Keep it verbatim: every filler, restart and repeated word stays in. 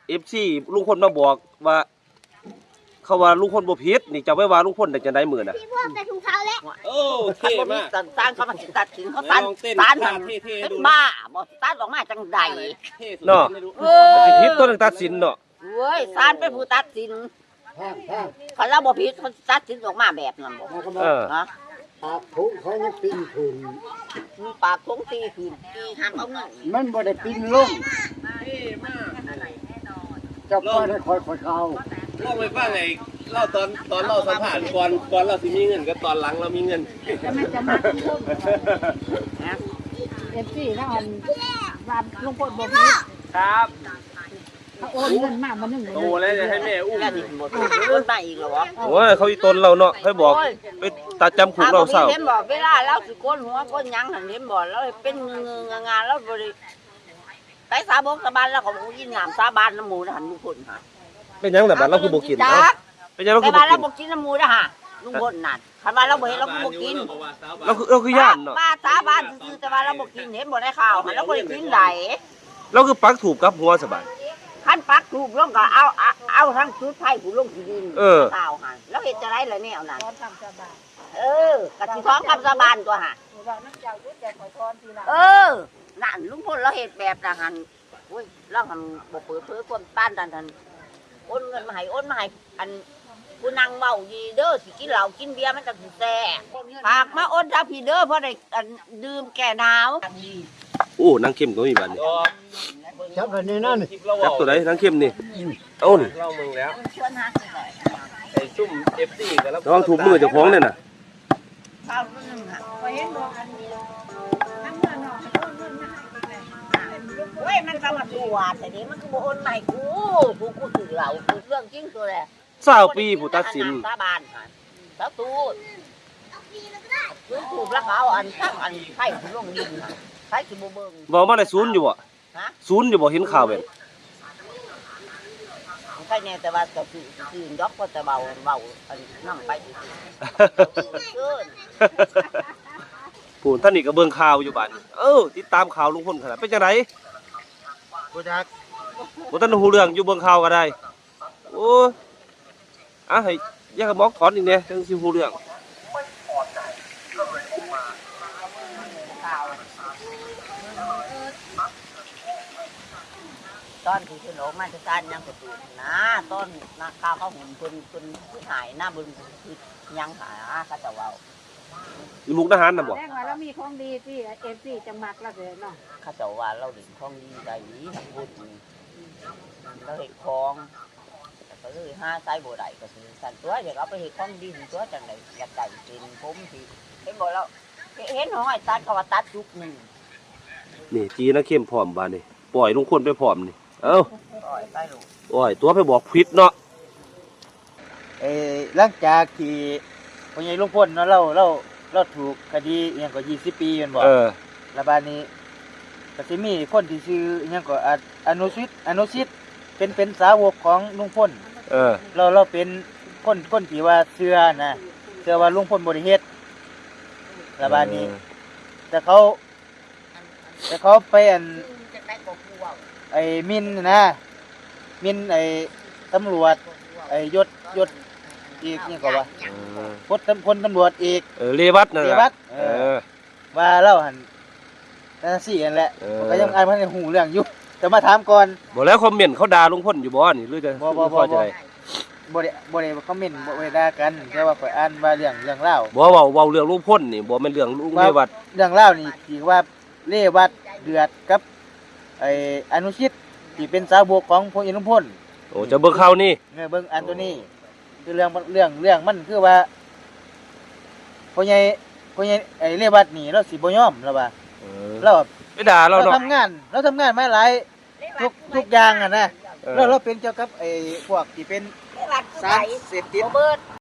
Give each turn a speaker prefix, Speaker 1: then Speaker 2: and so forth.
Speaker 1: เอฟซีลุงพลมาบอกว่าเขาว่าลุงพลบ่ผิดนี่จะไว้ว่าลุงพลได้จังได๋มื้อน่ะ
Speaker 2: พี่พวกแต่ถุงเท้าแล้ว
Speaker 3: โอ้เท่มาก
Speaker 4: ตันเขามาตัดสินเขาตันตันเป็นบ้าบ่ตันออกมาจังใด
Speaker 1: เนาะสิผิดตัวนึงตัดสินเนาะ
Speaker 4: เว้ยศาลเป็นผู้ตัดสินเขาเราบ่ผิดเขาตัดสินออกมาแบบนั้นบ่
Speaker 1: เออ
Speaker 4: ฮะ
Speaker 5: ปากถุงเขายังปีนขึ้น
Speaker 4: ปากถุงตีขึ้นตีห้ามเอาเงิน
Speaker 5: มันบ่ได้ปีนลงเจ้าก็ได้คอยคอยเขา
Speaker 3: เล่าไปฟังไงเล่าตอนตอนเล่าสัมผัสก่อนก่อนเราสิมีเงินกับตอนหลังเรามีเงิน
Speaker 2: จะไม่จะมาที่พวกเอฟซีแล้วอันวานลุงพลบอกพี่
Speaker 3: ครับ
Speaker 2: เขาโอนเงินมามาหนึ่งเลย
Speaker 3: โตแล้วจะให้แม่อุ้ม
Speaker 4: หมดโอนมาอีกเหรอ
Speaker 1: โอ้ยเขาอีตนเราเนาะให้บอกไปตัดจำคุกเราเศร้า
Speaker 4: เห็นบอกเวลาเราสิโกนหัวโกนหยังหันเห็นบอกแล้วเป็นเงืองงานแล้วบ่ได้ไปสาบงสาบานแล้วก็บ่กินน้ำสาบานน้ำหมูหันลุงพลค่ะ
Speaker 1: เป็นยังแต่บัดเราคือบ่กินเนาะเป็นยังเราคือบ่กิน
Speaker 4: เราบ่กินน้ำหมูนะฮะลุงพลนั่นคันว่าเราบ่เห็นเราคือบ่กิน
Speaker 1: เราคือเราคือย่านเนาะ
Speaker 4: ว่าสาบานซื่อแต่ว่าเราบ่กินเห็นบ่ได้ข่าวหันเราบ่ได้กินได้
Speaker 1: เราคือปักถูกกับหัวสบาย
Speaker 4: คันปักถูกลงก็เอาเอาทั้งชุดไผ่ผู้ลงที่ดินข่าวหันแล้วเฮ็ดจะได้ล่ะแนวนั้นเออกะสิท้องคำสาบานตัวห่าเออนั่นลุงพลเราเฮ็ดแบบน่ะหั่นโอ้ยเราหั่นบ่เปิดเผยความต้านทันโอนเงินมาให้โอนมาให้อันผู้นั่งเมาดีเด้อสิกินเหล้ากินเบียร์มันจะสิแซ่ฝากมาโอนทางพี่เด้อเพราะได้ดื่มแก้หนาว
Speaker 1: โอ้นางเข้มก็มีบัดนี้
Speaker 5: จับกันนี่นั่น
Speaker 1: จับตัวไหนนางเข้มนี่เอ้านี่
Speaker 3: เล่ามึงแล้วไอ้ซุ่ม เอฟ ซี กันแล้ว
Speaker 1: ระวังถูกมือเจ้าของเนี่ยน่ะ
Speaker 4: ข้าวนึงค่ะเห็นบ่อันนี้น้ำเงินเนาะเว้ยมันก็มาตรวจแต่นี้มันก็บ่โอนมาให้กูกูกูถือเหล้ากูเรื่องจริงตัวแหละ
Speaker 1: เศร้าปีผู้ตัดสิน
Speaker 4: สาบานค่ะสาตูดซื้อถูกแล้วเขาอันตั้งอันไข่ลงดินไข่สิบ่เบิ่ง
Speaker 1: บอกมาได้ศูนย์อยู่บ่ฮะศูนย์อยู่บ่เห็นข่าวแบบ
Speaker 4: ไข่แน่แต่ว่าจะคือคืนยกก็แต่เบาเบาอันนั่งไปเกิน
Speaker 1: ผู้ท่านนี่ก็เบิ่งข่าวอยู่บ้านเออติดตามข่าวลุงพลขนาดเป็นจังได๋
Speaker 5: บ่จัก
Speaker 1: บ่ทันฮู้เรื่องอยู่เบิ่งข่าวก็ได้โอ้อ่ะให้ยากระบอกถอนอีกแน่จังสิฮู้เรื่อง
Speaker 4: ตอนที่ขึ้นออกมาจากการยังกระตุ้นนะตอนนักข่าวเขาหุ่นคนคนผู้หายหน้าบึงคือยังหาเขาจะเว้า
Speaker 1: อยู่มุกดาหารน่ะบ่
Speaker 2: แจ้งว่าเรามีของดีที่เอฟซีจังมักแล้วเนาะ
Speaker 4: เขาจะว่าเราดึงของดีได้ทั้งบุญเราเห็ดของก็เลยห้าไซบ่ได้ก็คือสั่นตัวเดี๋ยวเอาไปเห็ดของดีตัวจังได๋อยากได้เป็นผมที่เห็นบ่แล้วเห็นห้อยตัดเขาว่าตัดยุกนึง
Speaker 1: นี่จีนะเข้มพร้อมบาดนี่ปล่อยลุงพลไปพร้อมนี่เอ้า
Speaker 4: ปล่อยไปลูก
Speaker 1: โอ้ยตัวไปบอกผิดเนาะ
Speaker 5: เอ้หลังจากที่พ่อใหญ่ลุงพลเนาะเราเราเราถูกคดีอีหยังก็ยี่สิบปีแม่นบ่
Speaker 1: เออ
Speaker 5: แล้วบัดนี้ก็สิมีคนที่ชื่ออีหยังก็อนุชิตอนุชิตเป็นเป็นสาวกของลุงพล
Speaker 1: เออ
Speaker 5: เราเราเป็นคนคนที่ว่าเชื่อนะเชื่อว่าลุงพลบ่ได้เฮ็ดแล้วบัดนี้แต่เขาแต่เขาไปอันไอ้มินนะมินไอ้ตำรวจไอ้ยศยศอีกนี่ก็ว่าพลพลตำรวจอีก
Speaker 1: เออเรวัตนั่นแหละ
Speaker 5: เรวัตเออว่าเล่าหั่นนั่นสินั่นแหละก็ยังอ่านบ่ได้ฮู้เรื่องอยู่แต่มาถามก่อน
Speaker 1: บ่แล้วคอมเมนต์เขาด่าลุงพลอยู่บ่นี่หรือจะ
Speaker 5: บ่บ่บ่บ่ได้บ่ได้คอมเมนต์บ่ได้ด่ากันแต่ว่าข่อยอ่านว่าเรื่องเรื่องราว
Speaker 1: บ่เว้าเว้าเรื่องลุงพลนี่บ่แม่นเรื่องลุงเรวัต
Speaker 5: เรื่องราวนี่ที่ว่าเรวัตเดือดกับไอ้อนุชิตที่เป็นสาวกของพลเอกลุงพล
Speaker 1: โอ้จะเบิ่งข่าวนี่
Speaker 5: เออเบิ่งอันตัวนี้คือเรื่องเรื่องเรื่องมันคือว่าพ่อใหญ่พ่อใหญ่ไอ้เรวัตนี่เราสิบ่ยอมแล้วว่า
Speaker 1: เออ
Speaker 5: เรา
Speaker 1: ไปด่าเราเนาะ
Speaker 5: เราทำงานเราทำงานมาหลายทุกทุกอย่างอ่ะนะเราเราเป็นเกี่ยวกับไอ้พวกที่เป็นสารเสพติด